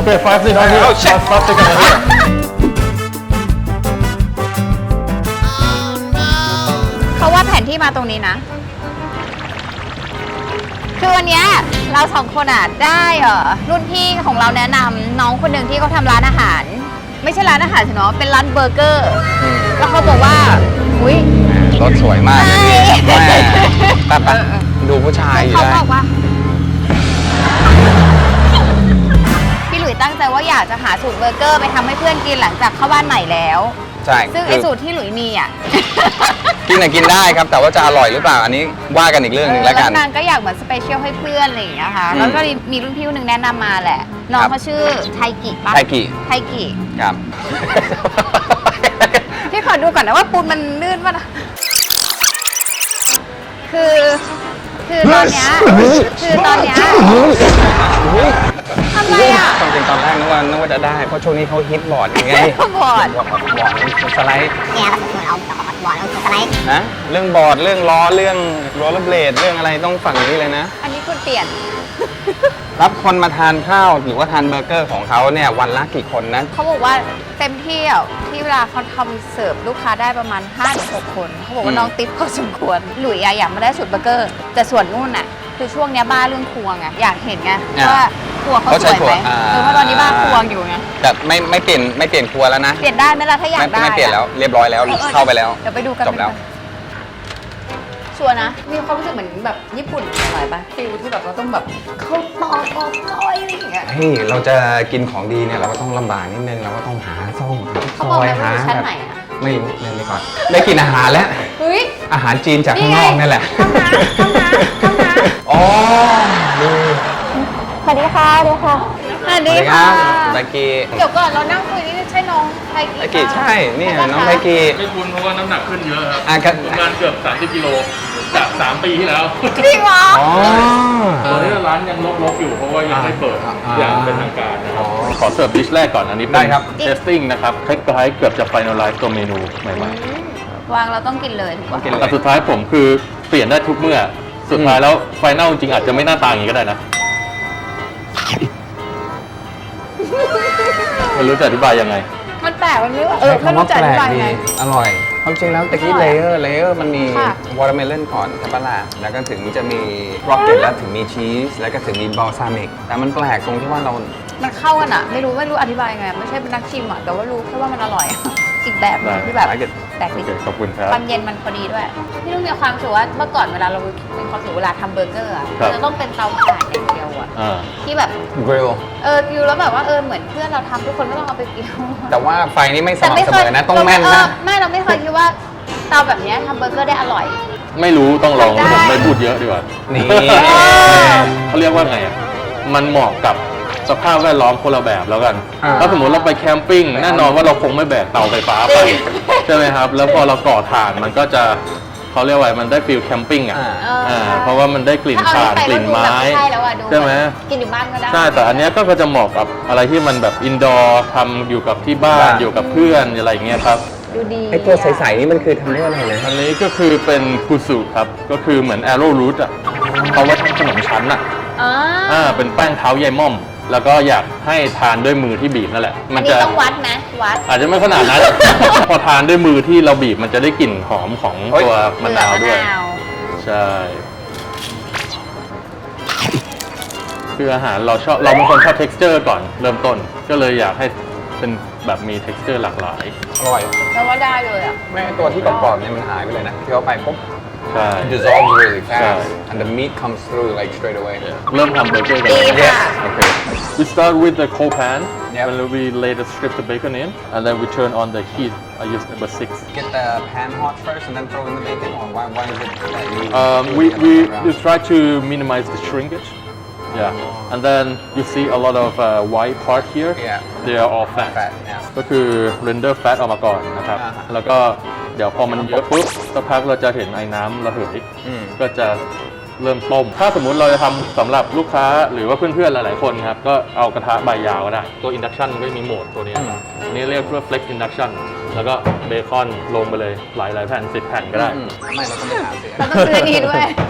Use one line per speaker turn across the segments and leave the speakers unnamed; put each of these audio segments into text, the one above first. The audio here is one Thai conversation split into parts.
Okay, 5 seconds on here.
Oh, shit.
5 seconds on here.
เขาว่าแผนที่มาตรงนี้นะ คือวันเนี้ยเราสองคนอ่ะได้รุ่นพี่ของเราแนะนำน้องคนหนึ่งที่เขาทำร้านอาหาร ไม่ใช่ร้านอาหารสิเนาะเป็นร้านเบอร์เกอร์ แล้วเขาบอกว่าอุ้ย
รถสวยมากเลยพี่
ใช่
แม่ไปดูผู้ชายอยู่
เขา
ได้
บอกว่า พี่หลุยตั้งใจว่าอยากจะหาสูตรเบอร์เกอร์ไปทำให้เพื่อนกินหลังจากเข้าบ้านใหม่แล้ว
ใช่
ซึ่งไอสูตรที่หลุยมีอ่ะ
กินน่ะกินได้ครับ แต่ว่าจะอร่อยหรือเปล่าอันนี้ว่ากันอีกเรื่องหนึงแล้วกัน
นางก็อยากเหมือนสเปเชียลให้เพื่อนอะไรอย่างเงี้ยค่ะ แล้วก็มีรุ่นพี่คนหนึ่งแนะนำมาแหละ น้องเขาชื่อไทกิปะ
ไทกิ
ไทกิ
ครับ
พี่ขอดูก่อนนะว่าปูนมันลื่นป่ะนะคือตอนเนี้ยทำไรอ่ะ
ความจริงตอนแรกนึกว่าจะได้ เพราะช่วงนี้เขาฮิตบอร์ดยังไง
บอร์ด
บอร์ดสไลด์
เนี่ยเราเหมือนเอาบอร์ดเอาสไลด์
นะเรื่องบอร์ดเรื่องล้อเรื่องโรลเลอร์เบลดเรื่องอะไรต้องฝั่งนี้เลยนะ
อันนี้คุณเปลี่ยน
รับคนมาทานข้าวหรือว่าทานเบอร์เกอร์ของเขาเนี่ยวันละกี่คนนะ
เขาบอกว่าเต็มที่อ่ะที่เวลาเขาทำเสิร์ฟลูกค้าได้ประมาณ 5-6 คน เขาบอกว่าน้องติ๊บพอสมควร หลุยอยากมาได้สูตรเบอร์เกอร์ แต่ส่วนนู่นน่ะ คือช่วงเนี้ยบ้าเรื่องครัวไงอยากเห็นไงว่าครัวเขาสวยไหมเพราะตอนนี้บ้าครัวอยู่ไง
แต่ไม่เปลี่ยนครัวแล้วนะ
เปลี่ยนได้ไหมล่ะถ้าอยากได้
ไม่เปลี่ยนแล้วเรียบร้อยแล้วเข้าไปแล้ว
เดี๋ยวไปดูกัน
จบแล้ว
ชัวร์นะ มีความรู้สึกเหมือนแบบญี่ปุ่นหน่อยปะฟิลที่แบบเราต้องแบบเข้าตอกออกก้อยอะไรอย่างเงี้ย
เฮ้ยเราจะกินของดีเนี่ยเราก็ต้องลำบากนิดนึงเราก็ต้องหาซ่องหา
เขา
ซ
บอก
อย
ไหมว่า
หา
อยู่ชั้น
แบบ
ไหนอะ
ไม่รู้เล่นไปก่อนได้กินอาหารแล้ว
เฮ้ย
อาหารจีนจากข้างนอกนี่แหละ
ห้องน้ำ
อ๋อดู
สวัสดีค่ะสวัสดีค่ะสวัสดีค่ะ
ไบกี้
เดี๋ยวก่อนเรานั่งคุยนี่ใช่น้องไท
ไบกี้ใช่นี่น้องไบกี้
ไม่คุ้นเพราะว่าน้ำหนักขึ้นเยอะครับ
อ่ะครับ
ประมาณเกือบ30 กิโลจาก 3 ปีที่แล้ว
จริงเหรอ
อ๋อ
ตอนนี้ร้านยังลบๆอยู่เพราะว่ายังไม่เปิด
อ่า
อย่างเป็นทางการนะค
อ๋
รั
อ
บขอเสิร์ฟดิชแรกก่อนอันนี้
ได้ครับ
เทสติ้งนะครับคล้ายๆเกือบจะ finalize ตัวเมนูใหม่
วางเราต้องกินเลยถูกปะ
กิน
ๆ
เล
แต่
ย
สุดท้ายผมคือเปลี่ยนได้ทุกเมื่อ สุดท้ายแล้วไฟแนลจริงๆอาจจะไม่หน้าตาอย่างนี้ก็ได้นะไม่รู้จะอธิบายยังไง
มันแปลกมันไม่รู้
ใช้
ไม่
คำว่า
รู้จะ
แป
อ
ล
ธิ
ก
บาย
ดี
ไง
อร่อยความจริงแล้วตะกี้
อร่
เล
อย
เยอร์มันมี
ค่ะ
วอเตอร์เมลอนก่อนใช่ปะล่ะแล้วก็ถึงจะมีร็อกเก็ตแล้วถึงมีชีสแล้วก็ถึงมีบอลซามิกแต่มันแปลกตรงที่ว่าเรา
มันเข้ากันอะไม่รู้อธิบายไงไม่ใช่เป็นนักชิมอะแต่ว่ารู้แค่ว่ามันอร่อย อีกแบบหนึ่งที่แบบ
ได้
แปลก
โอ
ดี
เคขอบคุณครับ
ความเย็นมันพอดีด้วยพี่ลุงมีความรู้สึกว่าเมื่อก่อนเวลาเราเป็นความรู้สึกเวลาทำเบอร์เกอร์อะ
ครับ
จะต้องเป็นเตาถ่านอย่างเดียวอะ
อ่า
ที่แบบ
กริล
กิวแล้วแบบว่าเหมือนเพื่อนเราทำทุกคนก็ต้องเอาไปกิว
แต่ว่าไฟนี่ไม่สม่ำเสมอนะต้องแม่นนะ
ไม่เราไม่เคยคิดว่าเตาแบบเนี้ยทำเบอร์เกอร์ได้อร่อย
ไม่รู้ต้องลอง
ได้
ผมไม่พูดเยอะดีกว่า
นี่
เขาเรียกว่าไงอ่ะ มันเหมาะกับสภาพแวดล้อมคนละแบบแล้วกัน ถ้าสมมติเราไปแคมปิ้งแน่นอนว่าเราคงไม่แบกเตาไฟฟ้าไป ใช่ไหมครับ แล้วพอเราก่อถ่านมันก็จะเขาเรียกว่ามันได้ฟิลแคมปิ้งอ่ะ เพราะว่ามันได้กลิ่น
ถ้าเอา
ถ่าน
ไป
กลิ่นไม้
ใช่แล้วอะดู
ใช่ไหม
กินอยู่บ้านก็ได้
ใช่ แต่อันเนี้ยก็จะเหมาะกับอะไรที่มันแบบอินดอร์ทำอยู่กับที่บ้าน อยู่กับเพื่อนอะไรอย่างเงี้ยครับ
ดูดี
ไอตัวใสๆนี่มันคือทำด้วยอะไรนะ
อันนี้ก็คือเป็นกุสุครับ ก็คือเหมือนแอโร่รูทอ่ะเขาไว้ทำขนมชั้นอ่ะ เป็นแป้งเท้ายายม่อม แล้วก็อยากให้ทานด้วยมือที่บีบนั่นแหละ
อันนี้ต้องวัดไหมวัด
อาจจะไม่ขนาดนั้น พอทานด้วยมือที่เราบีบมันจะได้กลิ่นหอมของตัวมะนาวด้วย ใช่ คืออาหารเราเป็นคนชอบ texture ก่อนเริ่มต้น ก็เลยอยากให้เป็นแบบมี texture หลากหลาย
อร่อย
แล้วว่าได้เลยอ่ะ
แม่ตัวที่กรอบๆเนี่ยมันหายไปเลยนะที่เขาไปปุ๊บ
ใช่
it dissolves really
ใช่
fast and the meat comes through like straight away
เริ่มทำเบอร์เกอร์กัน
ดี
เลย
ค่ะ
Okay. We start with the cold pan,
Yep.
and then we lay the strips of bacon in, and then we turn on the heat. I use number 6.
get the pan hot first and then throw in the bacon or why is it that you
We try to minimize the shrinkage. Yeah, and then you see a lot of white part here.
Yeah.
They are all fat.
fat yeah
ก็คือ render fat ออกมาก่อนนะครับ
อ่าฮะ
แล้วก็เดี๋ยวพอมันเยอะปุ๊บสักพักเราจะเห็นไอ้น้ำระเหย ก็จะเริ่มต้ม ถ้าสมมุติเราจะทำสำหรับลูกค้าหรือว่าเพื่อนๆหลายๆคนครับ ก็เอากระทะใบยาวก็ได้ ตัว induction มันก็มีโหมดตัวนี้ครับอันนี้เรียกว่า flex induction แล้วก็เบคอนลงไปเลยหลายๆแผ่น10 แผ่นก็ได้
ไม่เราต้องไปหาสิ
เราต้องซื้ออนนี้ด้วย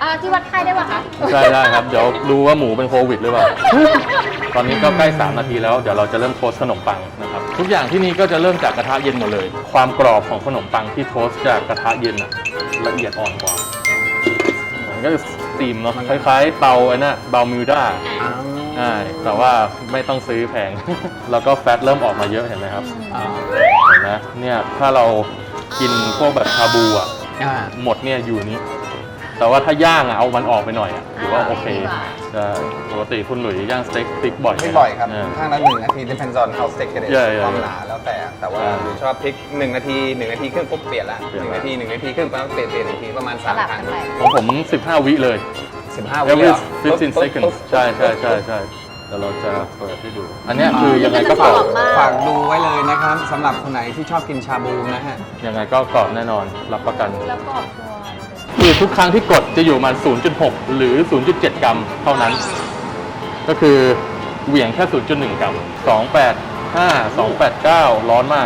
ที่วัดไข้ได้ป่ะคะ
ใช่ได้ครับ เดี๋ยวดูว่าหมูเป็นโควิดหรือเปล่า ตอนนี้ก็ใกล้3นาทีแล้ว เดี๋ยวเราจะเริ่มโทสต์ขนมปังนะครับ ทุกอย่างที่นี่ก็จะเริ่มจากกระทะเย็นหมดเลย ความกรอบของขนมปังที่โทสต์จากกระทะเย็นอะละเอียดอ่อนกว่ามันก็จะสตีมเนาะ คล้ายๆเตาไอ้น่ะเตามิวด้าใช่แต่ว่าไม่ต้องซื้อแพง แล้วก็แฟตเริ่มออกมาเยอะเห็นไหมครับ เห็นไหมเนี่ยถ้าเรากินพวกแบบชาบูอ่ะ หมดเนี่ยอยู่นี้ แต่ว่าถ้าย่างอ่ะเอามันออกไปหน่อยอ่ะถือว่าโอเคจะปกติคุณหลุยย่างสเต็กติ๊กบ่อยไหม
ไม่บ่อยครับ
เออ
ข้างละ1 นาที depends on how thick it is ความหนาแล้วแต่ว่าหรือชอบพลิก1 นาที 1 นาทีครึ่งปุ๊บเปลี่ยนละ1 นาที 1 นาทีครึ่งปุ๊บเปลี่ยน1 นาทีประมาณ
สลับ
3 ครั้
กั
ง
นไป
ของผม15 วิเลย
15 วิ
every
เหรอ
15 seconds ใช่เดี๋ยวเราจะเปิดให้ดู อันเนี้ยคือยังไงก็กรอบ
ฝากดูไว้เลยนะครับสำหรับคนไหนที่ชอบกินชาบูนะฮะ
ยังไงก็กรอบแน่นอนรับประกัน
แล้วก็ตัว
คือทุกครั้งที่กดจะอยู่ประมัน 0.6 หรือ 0.7 กรัมเท่านั้น ก็คือเหวี่ยงแค่ 0.1 กรัม 285 289 ร้อนมาก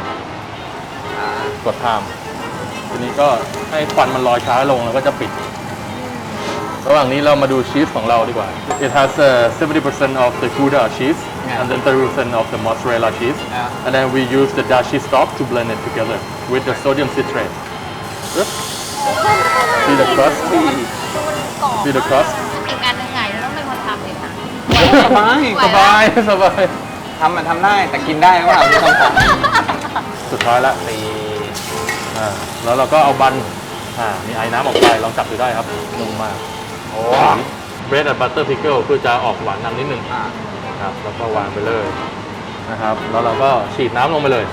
กดไทม์ทีนี้ก็ให้ควันมันลอยช้าลงแล้วก็จะปิด ระหว่างนี้เรามาดูชีสของเราดีกว่า It has 70% of the Gouda cheese and then 30% of the mozzarella cheese and then we use the dashi stock to blend it together with the sodium citrate See the crust
กรอบ
See the crust
อีกอันหนึงไงต้องเป็นคนทำเลยค่ะ
สบาย
สบายสบาย
ทำได้แต่กินได้หรือเปล่าที่ต้องขอ
สุดท้ายละแล้วเราก็เอาบันมีไอ้น้ำออกไปลองจับดูได้ครับนุ่มมาก
โอ้
bread and butter pickle คือจะออกหวานนำนิดนึงครับแล้วก็วางไปเลยนะครับแล้วเราก็ฉีดน้ำลงไปเลย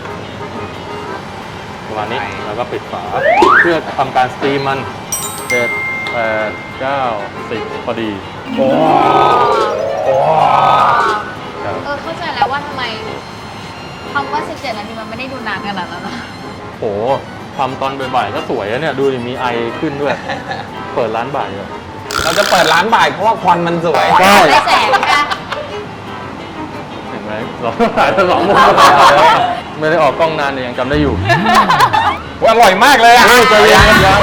ประมาณนี้แล้วก็ปิดฝาเพื่อทำการสตรีมมัน7 8 9 10พอดีครับ
เข้าใจแล้วว่าทำไมคำว่า 17 นาทีมันไม่ได้ดูนานขนาดนั้นนะ
โหทำตอนบ่ายๆก็สวยอะเนี่ยดูดิมีไอขึ้นด้วย เปิดร้านบ่ายเลย
เราจะเปิดร้านบ่ายเพราะว่าควันมันสวย
ใช่
ได้แสงค่ะ
เห็นไหมเราถ่ายไป2 มุมไม่ได้ออกกล้องนานแต่ยังจำได้อยู่
อร่อยมากเลยอ่ะ
ใจเย็นยัง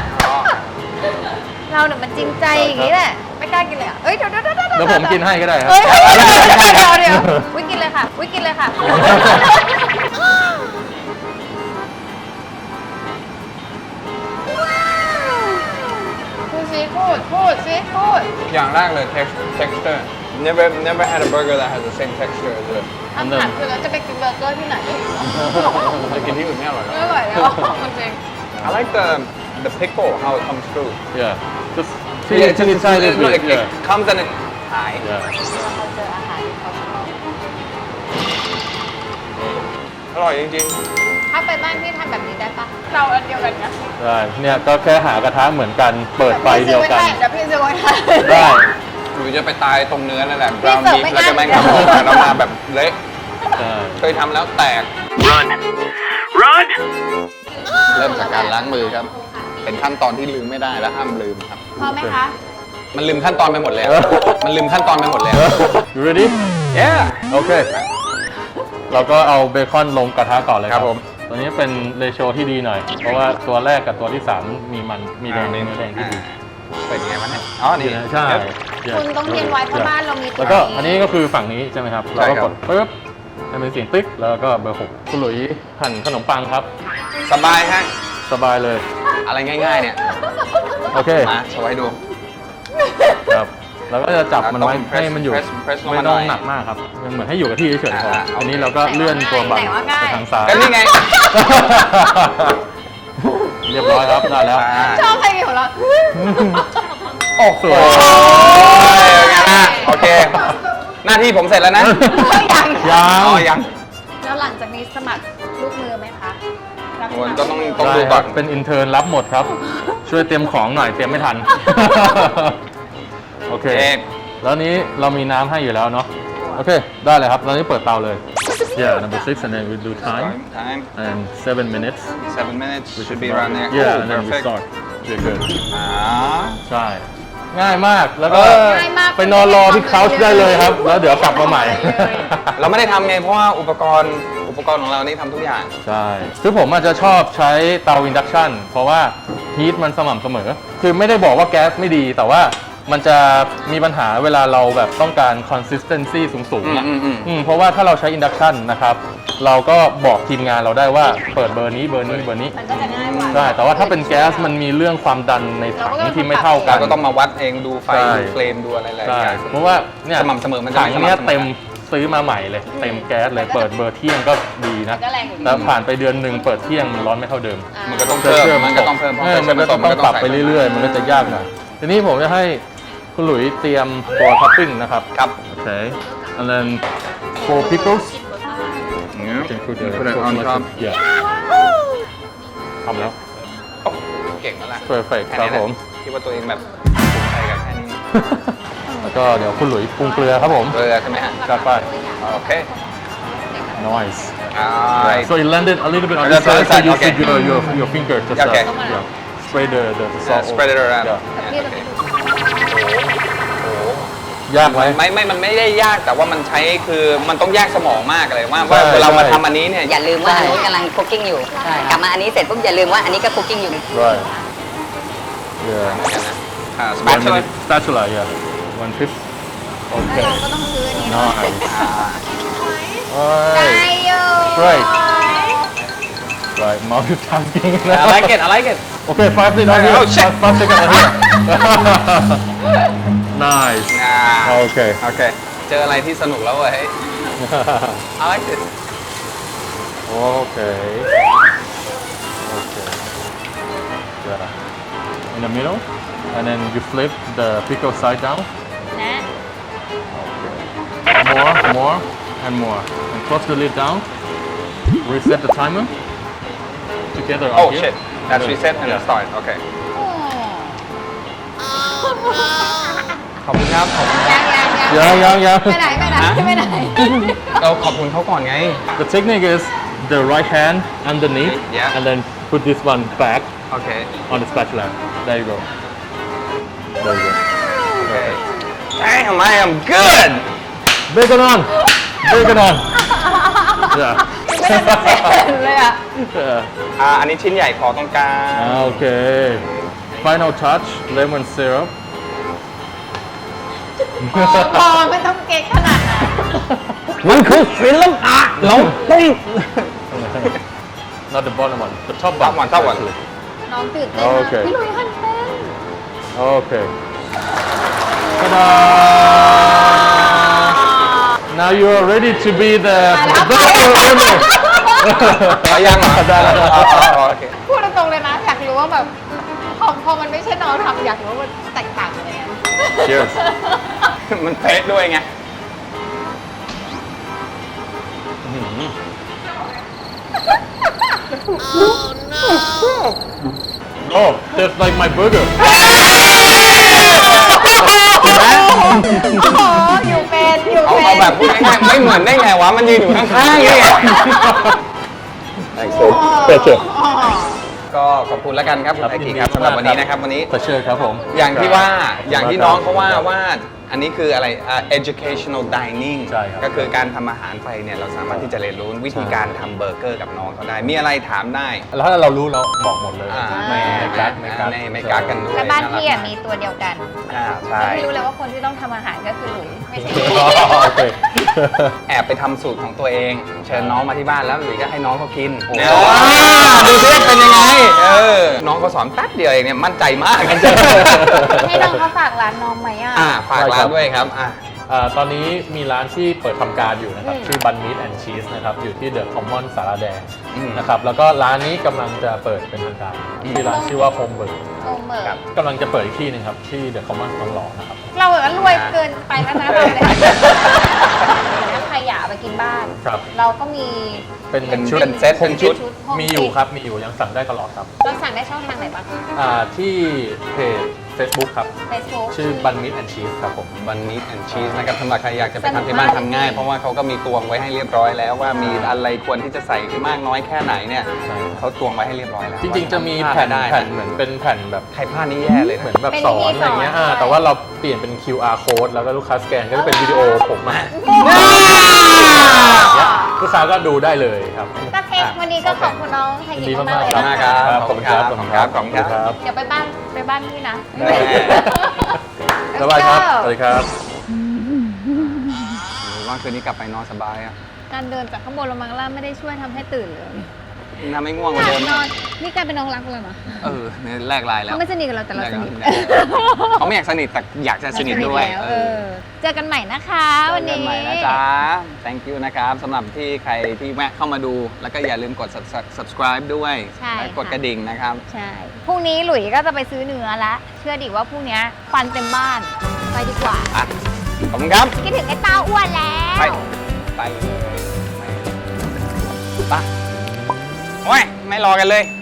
เราเนี่ยมันจริงใจอย่างนี้แหละ ไม่กล้ากินเลยอ่ะเอ้ยเดี๋ยว
เดี๋ยวผมกินให้ก็ได้ครับ
เฮ้ยเดี๋ยววิกินเลยค่ะวิกินเลยค่ะพูดสิพูดสิ
อย่างแรกเลย texture never had a burger that has the same texture as this
คำถามคือเราจะไปกินเบอร์เกอร์ที่ไหน
จะกินที่อื่นไม่อร่อยหรอ
ไม่ไหวแล้วจริง
I like the pickle how it comes through
Yeah just
Yeah,
teeny tiny bit
it
yeah
comes and it หาย
yeah
เขาเจออาหารที่เขาชอบ
อร่อยจริง
ถ้าไปบ้านพี่ทำแบบนี้ได้ปะเราอันเดียวกันนะ
ได้เนี่ยก็แค่หากระทะเหมือนกันเปิดไฟเดียวกัน
เดี๋ยวพี่ซื้อไว้ให้
ได้
ๆหรือจะไปตายตรงเนื้อนั่นแหละ
พี่
brown
เสิร์ฟ
beef
ไม่
แล้วจะ
ได้
แม่งกระโดดแล้วมาแบบเละ
ใช่
เคยทำแล้วแตก เริ่มจากการล้างมือครับ เป็นขั้นตอนที่ลืมไม่ได้และห้ามลืมครับ
พอไหมคะ
มันลืมขั้นตอนไปหมดแล้ว มันลืมขั้นตอนไปหมดแล้ว
You ready
yeah
โอเค เราก็เอาเบคอนลงกระทะก่อนเลยค
ครั
รับบ
ผม
ตัวนี้เป็นเรโชที่ดีหน่อย เพราะว่าตัวแรกกับตัวที่ 3 มีมันมีแดงเนื้อแดงที่ดี
เป็นไงวะเนี่ยอ๋อนี่
ใช่
คุณต้องเรียนไว้เพราะบ้านเรามีตัว
แล้วก็อันนี้ก็คือฝั่งนี้ใช่ไหมครับ
ใช่
เราก็
ครั
ก
บ
ดปึ๊บให้เป็นเสียงติ๊กแล้วก็เบอร์ 6คุณหลุยหั่นขนมปังครับ
สบายฮะ
สบายเลย
อะไรง่ายๆเนี่ย
โอเค
มาโชว์ให้ดู
ครับแล้วก็จะจับมันไว้
ต้อง press
ให้มันอยู่
press ลง
ไม่
มาหน่
ต้อ
อง ย
หนักมากครับเหมือนให้อยู่กับที่เฉยๆพอ
โอเค
อันนี้เราก็เลื่อนตัวบัตรไปทางซ้าย
ก็นี่ไง
เรียบร้อยครับได้แล้ว
ชอบเพลงของเรา
โอ้โหโอเค หน้าที่ผมเสร็จแล้วนะ
ยัง
ยัง
อ๋อยัง
แล้วหลังจากนี้สมัครลูกมือไหมคะรับส
คน
มัคร
ก็ต้อง
ได้
ดู
ค
ก่
รั
อบ น
เป็นอินเทอร์นรับหมดครับ ช่วยเตรียมของหน่อยเตรียมไม่ทัน โอเค แล้วนี้เรามีน้ำให้อยู่แล้วเนาะโอเค ได้เลยครับตอนนี้เปิดเตาเลย Yeah number 6 and then we do time
time
and 7 minutes
7 minutes we should be around there
Yeah
Oh,
and then we
perfect.
start Yeah good
อ่า
ใช่ง่ายมากแล้วก็
ง่ายมาก
ไปนอนรอที่เคาน์ได้เลยครับ แล้วเดี๋ยวกลับมาใหม่
เราไม่ได้ทำไงเพราะว่าอุปกรณ์ของเรานี่ทำทุกอย่าง
ใช่คือผมอาจจะชอบใช้เตาอินดักชันเพราะว่าฮีทมันสม่ำเสมอ คือไม่ได้บอกว่าแก๊สไม่ดี แต่ว่ามันจะมีปัญหาเวลาเราแบบต้องการ consistency สูงๆอะ เพราะว่าถ้าเราใช้อินดักชันนะครับเราก็บอกทีมงานเราได้ว่าเปิดเบอร์นี้เบอร์นี้เบอร์นี้
มันก็จะง่ายกว่า
ใช่แต่ว่าถ้าเป็นแก๊สมันมีเรื่องความดันในถังที่ไม่เท่ากั
เรา
น
ก็ต้องมาวัดเองดูไฟ
ใช่
ดูเฟรมดูอะไรหลาย
ใช่
อย่าง
เพราะว่าเนี่ย
สม่ำเสมอมันจะ
ถังเนี้ย
สม่ำเสมอ
เต็มซื้อมาใหม่เลย เต็มแก๊สเลยเปิดเบอร์เที่ยงก็ดีนะ
ก็แรงอยู่ดี
แล้วผ่านไปเดือนหนึ่งเปิดเที่ยงมันร้อนไม่เท่าเดิม
มันก็ต้องเพิ่มมันก็ต้องเพิ่มเพราะ
มันก็ต้องปรับไปเรื่อยๆ มันก็จะยากหน่อยทีนี้ผมจะให้คุณหลุยเตรียมตัวท็อปปิ้งนะครับ
ครับ
โอเค and then for pickles
Yeah.
can put the
Put it on top.
yeah ทำแล้ว
โอ้เก่งแล้วล่ะ
perfect
แค่
ครับ
นี้แหละ
ผม
คิดว่าตัวเองแบบภูมิใจกับแค่นี้
แล้วก็เดี๋ยวคุณหลุยปรุงเกลือครับผม
เกลือใช่ไหมฮะ
จัดไป
โอเค
nice
Alright.
so it landed a little bit on
On
the
the
side so
side,
you
okay.
put your finger just
Okay.
yeah spread the salt
Spread it around.
yeah.
พี่เราไปดู
โอ้โห
ยากไหม
มันไม่ได้ยากแต่ว่ามันใช้คือมันต้องแยกสมองมากเลยว่า
ใช่
เวลามา
ใช่
ทำอันนี้เนี่ย
อย่าลืมว่าอันนู้นกำลังคุกกิ้งอยู่ กลับมาอันนี้เสร็จปุ๊บอย่าลืมว่าอันนี้ก็คุกกิ้งอยู่
right yeah
spatula
spatula yeah 1 tip โอเค
เราก็ต้องซื้ออันนี้เนาะ
nice
ได้
right
อยู่
Great. right multitasking
I like it I like it
okay 5 seconds on here
Oh, shit.
5 seconds on here nice โอเค
โอเคเจออะไรที่สนุกแล้วเว้ย I like it
Okay. Okay. Yeah. In the middle, and then you flip the pickle side down.
นะ
More, and more. And close the lid down. Reset the timer. Together on
Oh
here.
shit that's reset and
Yeah.
start โอเค
โอ้
ขอบคุณครับขอบคุณ
Yeah.
ไปไหนไปไหน
เราขอบคุณเขาก่อนไง
The technique is the right hand underneath,
Yeah.
and then put this one back
โอเค
on the spatula. There you go. There you go.
โอเค Damn I am good
Bacon on. Bacon on. Yeah.
เลยอ่ะ
Yeah.
อันนี้ชิ้นใหญ่ขอตรงกลาง
Okay. Final touch, lemon syrup.
พอไม่ต้องเก๊กขนาดนั้น
มันคือศิลปะเราต้อง
Not the bottom one, the top
Top
one.
one, top one.
actually.
น้องตื่นเต้นมาก
โอเค
พี่ลุยหันเป็น
Okay. Ta-da! Now you are ready to be the winner.
เอายังเหรอ
ได้แล้ว
โอเค
พูดตรงๆเลยนะ อยากรู้ว่าแบบพอมันไม่ใช่น้องทำอยากรู้ว่ามันแตกต่างยังไง
Cheers.
มันเป๊ะด้วยไง
Oh, just like my burger.
โอ้โหอยู่เป็นอยู่
เอา
เป็น
แบบพูดง่ายๆไม่เหมือนได้ไงวะ มันยืนอยู่ข้างๆนี่
Pleasure.
ก็ขอบคุณแล้วกันครับคุณไอคิครับสำหรับวันนี้นะครับวันนี้
Pleasure ครับผม
อย่างที่ว่าอย่างที่น้องเขาว่าอันนี้คืออะไรeducational dining
ใช่ครับ
ก็คือการทำอาหารไปเนี่ยเราสามารถที่จะเรียนรู้วิธีการทำเบอร์เกอร์กับน้องเขาได้ มีอะไรถามได้
แล้วถ้าเรารู้เราบอกหมดเลย ไม่กัก
ไม่กักกันด้วย
แล้วบ้านพี่อะมีตัวเดียวกัน
ใช่
พี่รู้เลยว่าคนที่ต้องทำอาหารก็คือหลุยไม่ใช่
โอเค
แอบไปทำสูตรของตัวเอง เชิญน้องมาที่บ้านแล้วหรือก็ให้น้องเขากิน
โอ้
เนี่ยดูซิเป็นยังไงน้องเขาสอนแป๊บเดียวเองเนี่ยมั่นใจมาก
ให้น้องเขาฝากร้านน้องไหมอ่ะ
ฝากร้านด้วยครับ
ตอนนี้มีร้านที่เปิดทำการอยู่นะครับ
อืม
ชื่อ Bun Meat and Cheese นะครับ อยู่ที่เดอะคอมมอนสารแดง
อืม
นะครับ แล้วก็ร้านนี้กำลังจะเปิดเป็นทางการที่ร้านชื่อว่า Home Burger
โอเมอร์
กำลังจะเปิดอีกที่หนึงครับ ที่เดอะคอมมอนทองหล่อนะครับ
เราแบบว่ารวยเกินไปแล้วนะเราเลยถ้าใครอยากเอาไปกินบ้าน
ครับ
เราก็มี
เป็นชุด
เป็นเซตเป็นชุด
Home
มีอยู่
Kit
ครับ มีอยู่ยังสั่งได้ตลอดครับ
เราสั่งได้ช่องทางไหนบ้างคะ
ที่เพจ Facebook ครับ
Facebook
ชื่อบันมิดแอนชีสครับผม
บันนิดแอนชีสนะครับสำหรับใครอยากจะไปทำที่บ้านทำง่าย เพราะว่าเขาก็มีตวงไว้ให้เรียบร้อยแล้วว่ามีอะไรควรที่จะใส่มากน้อยแค่ไหนเนี่ย
ใช่
เขาตวงไว้ให้เรียบร้อยแล้ว
จริงๆจะมี
ว่า
แผ่น
ได้
แผ่นเหมือนเป็นแผ่นแบบ
ใครพลาดนี่แย่เลย
เหมื
นะ
อนแบบสอนอะไรเงี้ย
เป็นวิธีสอน
แต่ว่าเราเปลี่ยนเป็น QR code แล้วก็ลูกค้าสแกนก็จะเป็นวิดีโอผมมาลูกค้าก็ดูได้เลยครับ
ก็เค้กวันนี้ก็ขอบคุณน้องไทย
ยิน
กิ
ดี
มาม
าก
ๆเลย
ๆ
นะ
ค
คะ
รับขอบคุณครับ
ขอบคุณครับขอบคุณครับ
เดี๋ยวไปบ้านพี่นะ
ได้
สบายครับสวัสดีครับ
ว่าคืนนี้กลับไปนอนสบายอ่ะ
การเดินจากข้างบนลงมาข้างล่างไม่ได้ช่วยทำให้ตื่นเลย
น่าไม่ง่วงกว่าเดิม
น
นะ
อนนี่กลายเป็นน้องรักเลยเหรอ
เนี่ยแลกไลน์แล้ว
เขาไม่สนิทกับเราแต่เราสนิท
เขาไม่อยากสนิทแต่อยากจะสนิทด้วย
แล้วเจอกันใหม่นะคะวันนี้
เจอกันใหม่นะจ๊ะ thank you นะครับสำหรับที่ใครที่แวะเข้ามาดู แล้วก็อย่าลืมกด subscribe ด้วย
ใช่
และกดกระดิ่งนะครับ
ใช่พรุ่งนี้หลุยก็จะไปซื้อเนื้อละเชื่อดิว่าพรุ่งนี้ควันเต็มบ้านไปดีกว่า
อ่ะ ขอบคุณครับ
คิดถึงไอ้เต้าอ้วนแล้ว
ไปเลยไปโอ้ย ไม่รอกันเลย